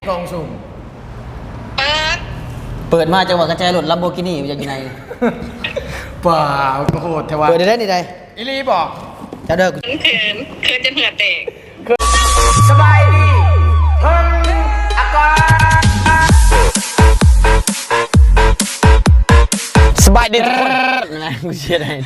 กองสุ่มเปิดมาจังหวะกระจายรถลัมโบกินี่อย่างไงเปล่าก็โหดแต่ว่าเปิดได้นี่ใดอิลีบอกจะเด้อคืนจนเหงื่อแตกสบายดีเพิ่งอากาศสบายดีทุกคนอะไรกูเชื่อได้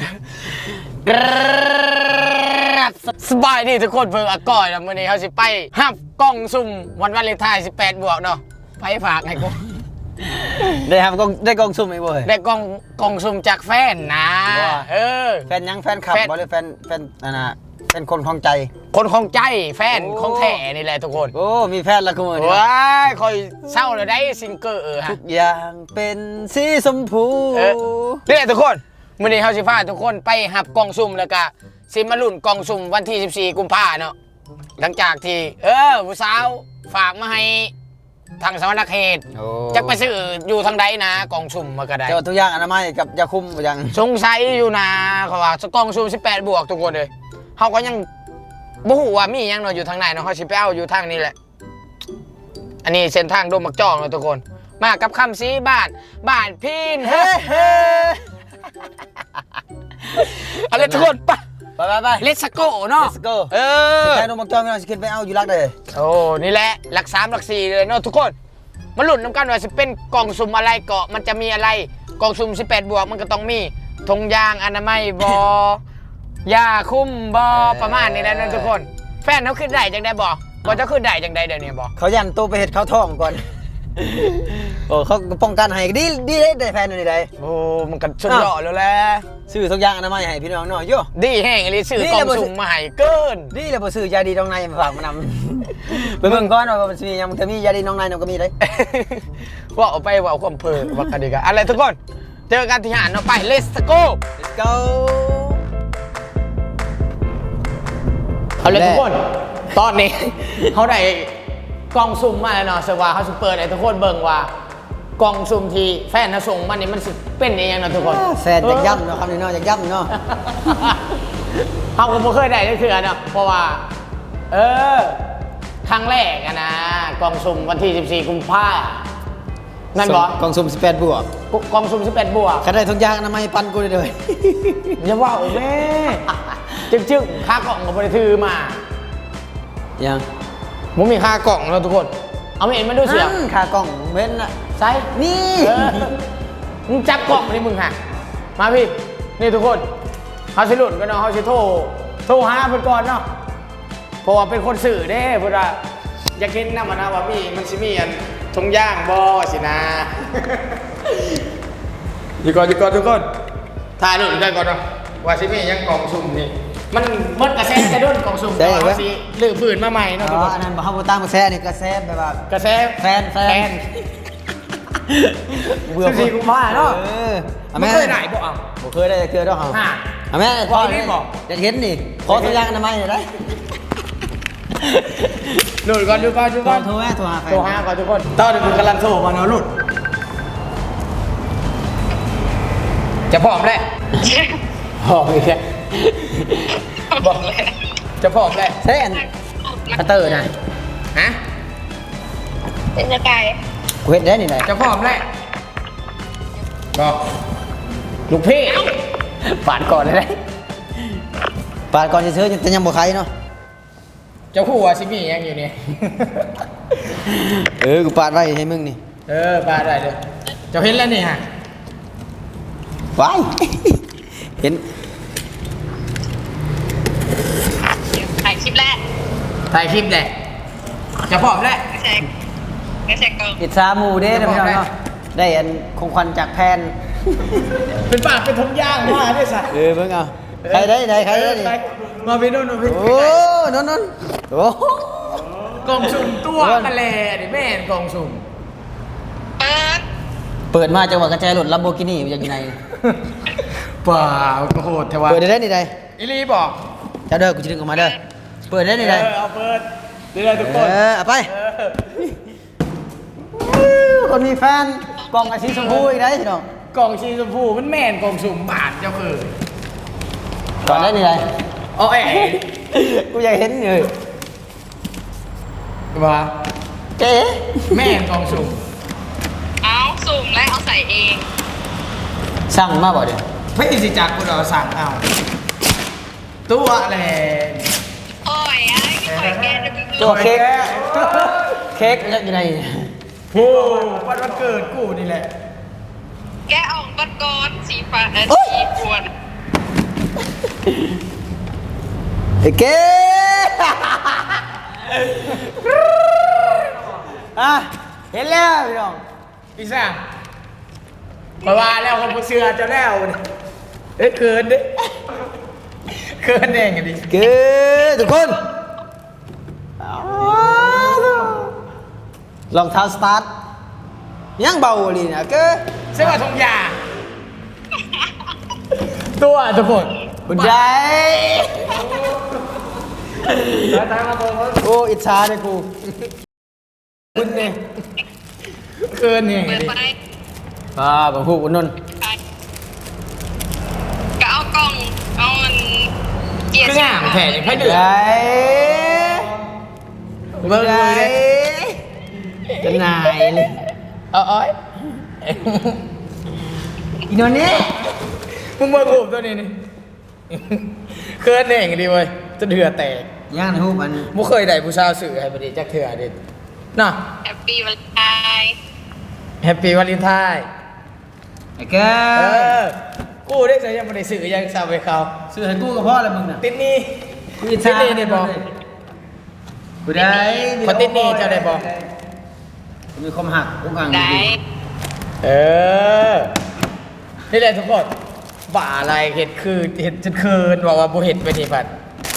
สบายดีทุกคนเพิ่งอากาศแล้ววันนี้เขาสิไปหับกล้องซุ่มวันวาเลนไทน์18 บวกเนาะไปฝากให้กูได้ครับได้กองซุ่มไอ้บ่เฮ้ยได้กล้องซุ่มจากแฟนนะแฟนยังแฟนขับบ่หรือแฟนน่ะเป็นคนคลองใจคนคลองใจแฟนของแท้นี่แหละทุกคนโอ้มีแฟนแล้วกูมื้อนี้ว้ายคอยเศร้าเลยได้ซิงเกอร์ฮะทุกอย่างเป็นสีชมพูนี่ทุกคนมื้อนี้เฮาสิพาทุกคนไปหับกล้องซุ่มแล้วก็สิมาลุ้นกล้องซุ่มวันที่14 กุมภาพันธ์เนาะหลังจากที่ผู้สาวฝากมาให้ทางสวรรณเขตจะไปซื้ออยู่ทางใดนะกล่องซุ่มมาก็ได้เจ้าทุกอย่างอนามัยกับยาคุมอย่างสงสัยอยู่นะเขาว่ากล่องซุ่ม18 บวกทุกคนเลยเขาก็ยังบ่ฮู้ว่ามีหยังเนาะอยู่ทางไหนเนาะเขาสิไปเอาอยู่ทางนี้แหละอันนี้เส้นทางโดมมักจ้องเนาะทุกคนมากับคำสีบ้านพินเฮ้อะไรทุกคนไปเลสโก้เนาะแค่โดมมักจ้องไม่ต้องสิขึ้นไปเอาอยู่รักเลยโอ้นี่แหละหลัก3หลัก4เลยเนาะทุกคนมาลุ้นนำกันว่าสิเป็นกล่องซุ่มอะไรเกาะมันจะมีอะไรกล่องซุ่ม18 บวกมันก็ต้องมีธงยางอนามัยบอยาคุ้มบอประมาณนี้แหละนะทุกคนแฟนเขาขึ้นได้จังได้บอกจะขึ้นได้จังได้เดี๋ยวนี้บอกเขายันตัวไปเห็ดเขาท้องก่อนโอ้เขาป้องกันให้ดีได้แฟนนี่ได้โอ้มันกันสุดยอดแล้วแหละซื้อทุกอย่างอนามัยให้พี่น้องหน่อยโย่ดีแห้งเลยซื้อกล่องสุ่มมาให้เกินดีเลยพอซื้อยาดีน้องในมาฝากมานำไปเบิ่งก่อนว่ามันมียังจะมียาดีน้องในnóก็มีได้ว่าเอาไปว่าเอาความเพลิว่ากันดีกันอะไรทุกคนเจอกันที่หาดเนาะไป let's go เอาเลยทุกคนตอนนี้เขาได้กล่องซุ่มมาแล้วเนาะเสว่าเขาจะเปิดให้ทุกคนเบิ่งว่ากล่องซุ่มที่แฟนเขาส่งมานี่มันเป็นยังไงเนาะทุกคนแฟนจะย่ำเนาะคำนี้เนาะจะย่ำเนาะเขาก็ไม่เคยได้เลยคือเนาะเพราะว่าครั้งแรกนะกล่องซุ่มวันที่14 กุมภาพันธ์นั่นบอกกล่องซุ่ม18 บวกกล่องซุ่ม18 บวกใครได้ทุกอย่างนะไม่ปันกูเลยอย่าว่าแม่จึ๊งค่ากล่องกับบริทือมายังมึงมีค่ากล่องแล้วทุกคนเอาเห็นมาดูเสียค่ากล่องเว้นอะใช่นี่มึงจับกล่องนี่มึงฮะมาพี่นี่ทุกคนเขาสิหลุดกันเนาะเขาสิโทรหาเพื่อนก่อนเนาะเพราะว่าเป็นคนสื่อเด้เพื่อนอยากเห็นนะมันนะว่ามันสิมีอันทงย่างบอสินะอยู่ก่อนทุกคนถ่ายหลุดกันก่อนเนาะว่าสิมียังกล่องซุ่มนี่มันมดกระแสกระด้นกล่องซุ่มต่อสิหรือฝืนมาใหม่เนาะอันนั้นเขาตั้งกระแสนี่กระแสแบบว่ากระแสแฟนเบื่อ14 กุมภาพันธ์เนาะไม่เคยได้บอกผมเคยได้เคยด้วยเหรอแม่พอนี่บอกจะเห็นนี่ขอตัวอย่างทำไมเนี่ยได้หลุดก่อนดูก่อนโทรหาก่อนทุกคนตอนนี้คุณกำลังโทรมาเนาะหลุดจะพร้อมแล้วพร้อมอีกแล้วบอกเลยจะพร้อมแล้วเส้นพัตเตอร์นะฮะเป็นจะไก่กูเห็นได้นี่ไหนจะพร้อมแล้วบอกลูกพี่ปาดก่อนเลยปาดก่อนจะซื้อจะยังบ่ใครเนาะเจ้าคู่ว่าซิมี่ยังอยู่นี่กูปาดไว้ให้มึงนี่ปาดได้เลยเจ้าเห็นแล้วนี่ฮะว้ายเห็นถ่ายคลิปแรกจะพร้อมแล้วไม่ใช่กล้องอิสามูเด้นะพี่น้องเนาะได้อันคงควันจากแพนเป็นปากเป็นทงย่างมาได้สักเพิ่งเอาใครได้ใครได้มาพี่นุ่นพี่โอ้นนโอ้กล่องสุ่มตัวกระแลดิแม่กล่องสุ่มเปิดมาจังหวะกระจายรถลัมโบกินี่อย่างไงเปล่าก็โหดแต่ว่าเปิดได้นี่ใดอิลีบอกจะเด้อกูจะดึงออกมาเด้อเปิดได้นี่ใดเอาเปิดได้ทุกคนเอาไปคนมีแฟนกล่องสีชมพูอีกได้พี่น้องกล่องสีชมพูมันแม่นกล่องสุ่มบาทเจ้าคือก่อนได้นี่ใดโอ้ยกูอยากเห็นเลยว่าเจ๊แม่กล่องสุ่มเอาสุ่มและเอาใส่เองสั่งมาบ่เดี๋ยวไม่ติดจากกูเราสั่งเอาตัวแหละโอ้ยไอ้ที่คอยแกจะมีตัวเค้กเค้กอยู่ในโอ้วันเกิดกูนี่แหละแกะออกบัดกอนสีฟ้าสีปวนไอ้เก๊อ่ะเห็นแล้วพี่น้องพี่สั่งมาว่าแล้วคนผู้เชื่อจะแล้วเอ้ยเกินดิเกินเองกันดิเก๊ทุกคนรองเท้าสตาร์ทยังเบาเลยนะเก๊เสื้อทงยาตัวทุกคนคุณยายโอ้อิจฉาเลยกูคุณเนี่ยเกินเนี่ยเปิดไปบางผู้อุ่นนนไปก็เอากล่องเอามันเกียร์ก็ง่ายแผ่ให้เดือดยายเบิ่งเลยจะนายเลยเอาอ้อยอีนนนี่มึงเบิ่งรูปตัวนี้นี่เกินเองดีเว้ยจะเดือดแตกย่างในหูมันมุเคยได้ผู้สาวสื่อให้พอดีจักเถื่อเด็ดน่ะแฮปปี้วันไทน์แฮปปี้วาเลนไทน์ไอ้แกเออกูได้ใส่ยังไม่ได้สื่อยังสาวไปเขาซื้อให้กูกับพ่อแล้วมึงน่ะติดหนี่กูอิจติฉาดหนี่ได้บอกกูได้ขอติดหนี้เจ้าได้บ่มีความหักกูกังได้เออนี่แหละทุกคนบ่าอะไรเห็ดคือเห็ดจนเคินบอกว่าบ่เห็ดไปนี่พัด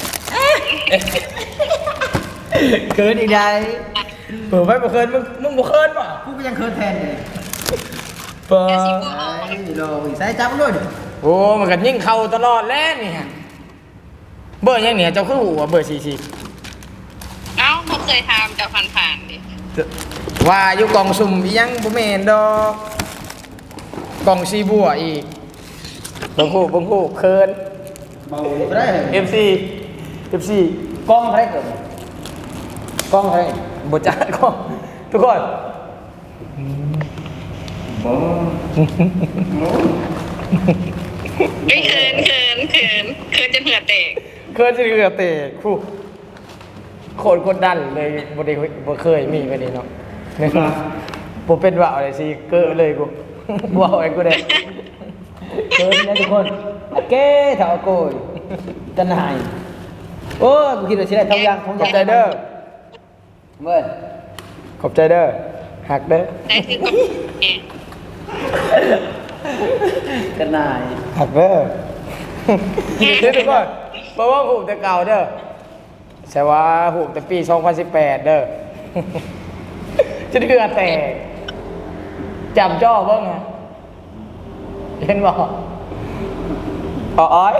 เกินอีกได้เปิดไว้บ่เคินมึงบ่เคินป่ะกูก็ยังเคินแทนเลยเปิดแกสีบัวออกไอ้รออีกสายจับมันด้วยดิโอ้มันก็ยิ่งเข้าตลอดแล้วนี่ฮะเบอร์ยังเนี่ยเจ้าคือหัวเบอร์44 เอ้าเขาเคยทำจะผ่านๆดิว่าอยู่กล่องสุ่มอีหยังบ่แม่นดอกกล่องซีบัวอีกบังคู่เคินเบาไม่ได้เลย FC กล้องใครเกิดกล้องใครบ่จักกล้องทุกคนไม่เขินจนเหงื่อแตกเคินสิเหลือเตะคู่โคตรกดดันเลยบ่เคยมีไปนี่เนาะเนี่ยบ่เป็นว่าอะไรสิเก้อเลยกูบ่เอาไอ้กูได้เกินนะทุกคนอะเก้เถาโกยจะนายโอ้กูคิดว่าสิได้ทองยางขอบใจเด้อเมื่อขอบใจเด้อหักเด้อได้คือกับแกจะนายหักเด้อเด้อทุกคนเพราะว่าหูแต่เก่าเด้อใช่ว่าหูแต่ปี 2018 เด้อ จะเดือแตกจำจ้อเบิ่งฮะเห็นบ่อ้อย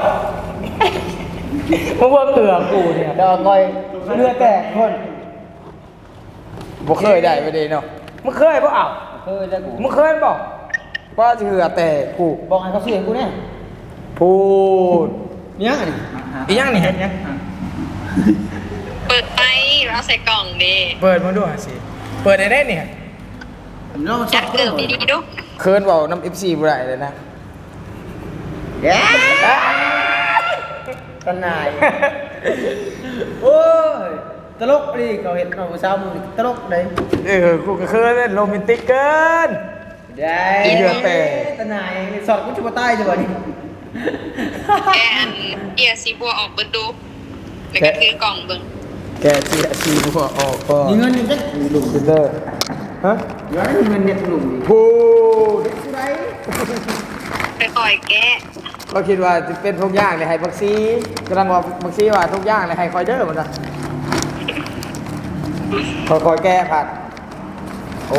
มึงว่าเกลือกูเนี่ยเดี๋ยวก่อยเรือแตกคนบ่เคยได้ไปเลยเนาะมึงเคยบ่อ้าวเคยแล้วกูมึงเคยบ่ว่าเกลือแตกกูบอกให้เขาซื้อให้กูเนี่ยพูดเนี่ยอันนี้อีหยังนี่เห็นยังเปิดไปแล้วใส่กล่องดิเปิดมาดูหาสิเปิดได้เนี่ยน้องชจัอดบเกือบดีๆดูเคิร์นบอกน้ำ FC บ่ได้เลยนะแย่จะนายโอ้ยตลกดิเขาเห็นเราเช้ามึงตลกเลยกูก็เคิร์นเล่นโรแมนติกเกินได้เรือแตกตะนายสอดกูจะมาใต้จังวะนี่แกอันเกียร์สีบัวออกเปิดดูแล้วก็ถือกล่องเบิ่งแกเสียชีหัวออกก็มีเงินอยู่จักลุงซิลเลอร์ฮะย้อนมีเงินเนี่ยหนุ่มดิพูดไปคอยแกะเราคิดว่าจะเป็นทุกอย่างเลยให้บักซีกำลังว่าบักซีว่าทุกอย่างเลยให้คอยเดอร์มันนะคอยแก้ผัดโอ้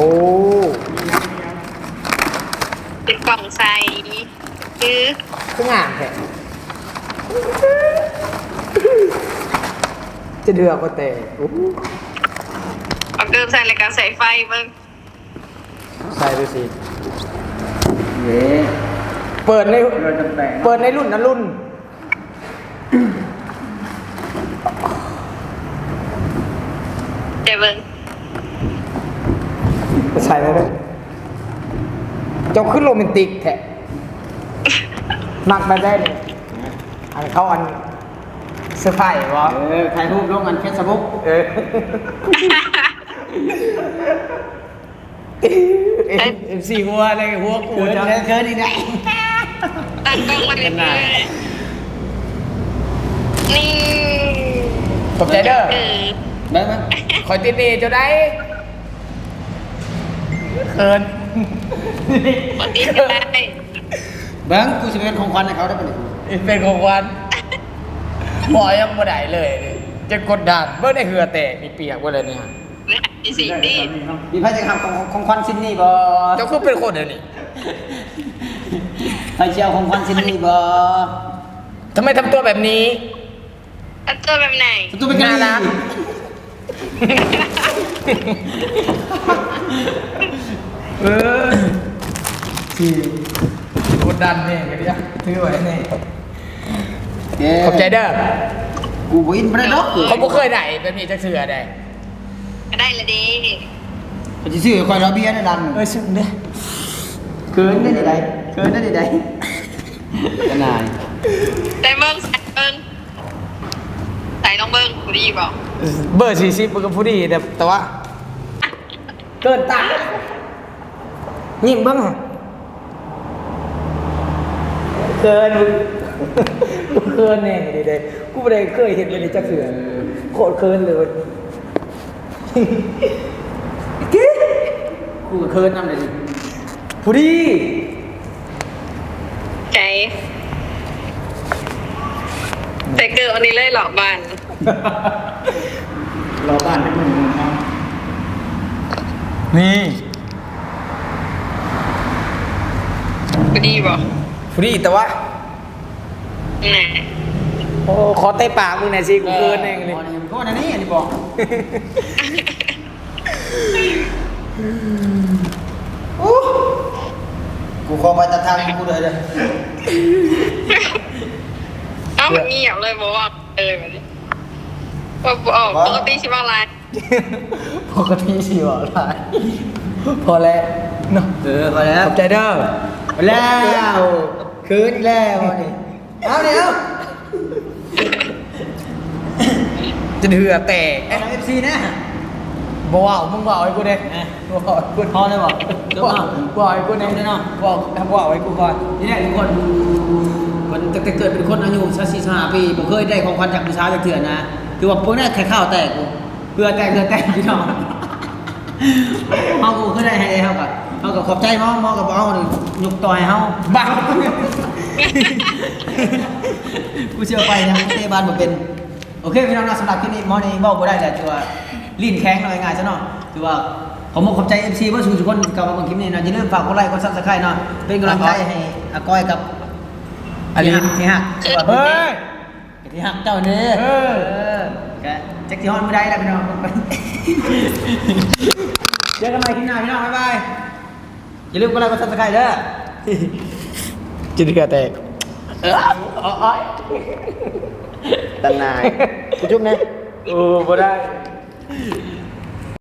เป็นกล่องใส่คือทุกอย่างแค่จะเดือกก็แต่โอ้เอาเกิมใส่รายการใส่ไฟเบิ่งใส่ดูสิเย้เปิดในเราจะแปลงเปิดในรุ่นนั้นรุ่นเดี๋ยวเบิ่งใส่เลยเจ้าขึ้นโรแมนติกแท้มักมาได้เลยอันเขาอันเสื้อผ้าวะถ่ายรูปลงกันเฟซบุ๊ก MC หัวอะไรหัวกูเกินจะเกินอีกแล้วตั้งกล้องมาเลยนี่ขอบใจเด้อได้ไหมคอยติดหนี่เจ้าได้เขินปกติก็ได้เบิ้งกูจะเป็นของขวัญให้เขาได้ปะเนี่ยเป็นของวันหมอยังบ่ได้เลย จะกดดันเบิ่งได้เหือแตกมีเปียกบ่เลยเนี่ยนี่สินี่มีใครจะทำของขวัญชิ้นนี้บ่เจ้าคือเป็นคนเดี๋ยวนี้ใครจะเอาของขวัญชิ้นนี้บ่ทำไมทำตัวแบบนี้อันตัวแบบไหนตัวเป็นกันน่ารัก เออที่กดดันเนี่ยกันดิอ่ะถือไว้เนี่ยขอบใจเด้อกูบ่อินบ่ได้ดอกเขาบ่เคยได้แบบนี้จักเทื่อได้ก็ได้ละดีเขาสิซื้อคอยเราเบียร์ได้ดันซึ้งเด้อเกินได้ดิได้เกินได้ดิได้ขนาดแต่เบิ้งใส่เบิ้งใส่น้องเบิ้งกูดีบอกเบอร์40มันก็ผู้ดีแต่ว่า เกินตายิ่งเบิ่งอะเกินกูเกินแน่ดิเด้กูบ่ได้เคยเห็นแบบนี้จักเทื่อโคตรเกินเลยกูก็เคินนำเลยดิผู้ดีใจแต่เกิดอันนี้เลยหลอกบ้านรอบ้านได้มื้อนึงครับนี่กูดีบอกผู้ดีแต่ว่าไหนโอ้ขอเตะปากมึงหน่อยสิกูเกินเองนี่โทษนะนี่อันนี้บอกกูขอไปตัดทางกูเลยเด้อเอ้ามันเงียบเลยบอกว่าแบบนี้ว่าปกติชิบะไรปกติสิบ่อะไรพอแล้วเนาะพอแล้ขวอบใจเด้อพอแล้วคืนอีกแล้วนี่เอาเดี๋ยวจะเหือแตกเอาเอฟซีนะบ่ว้าวมึงว้าวให้กูเด้บ่ว้าวให้กูพอเลยบอกจบว้าวเนาะว้าวให้กูเด้จบเลยเนาะว้าวว้าวให้กูก่อนนี่แหละทุกคนมันตั้งแต่เกิดเป็นคนอายุ44ปีผมเคยได้ของขวัญจากผู้ชายจากเถื่อนนะคือว่าพวกนี้แค่ข้าวแตกกูเพื่อแตกพี่น้องเฮากูเคยได้ให้เฮากับขอบใจมอกับเอายกต่อยเฮาบ้ากูเชื่อไปนะเตะบอลบ่เป็นโอเคพี่น้องนะสำหรับคลิปนี้มอนี่บอกบ่ได้แหละถือว่าลิ้นแข็งหน่อยง่ายซะเนาะถือว่าผมขอบใจ FC เพื่อนทุกคนกลับมาเบิ่งคลิปนี้นะอย่าลืมฝากกดไลค์กด Subscribe เนาะเป็นกำลังใจให้อาก้อยกับอลินที่ฮักเฮ้ยที่ฮักเจ้านี่แกแจ็คที่ฮอนไม่ได้แล้วพี่น้องเจอกันใหม่คลิปหน้าพี่น้องบ๊ายบายอย่าลืมกดไลค์กด Subscribe เด้อจะเหือแตกตันนายกูจุ๊บนะบ่ได้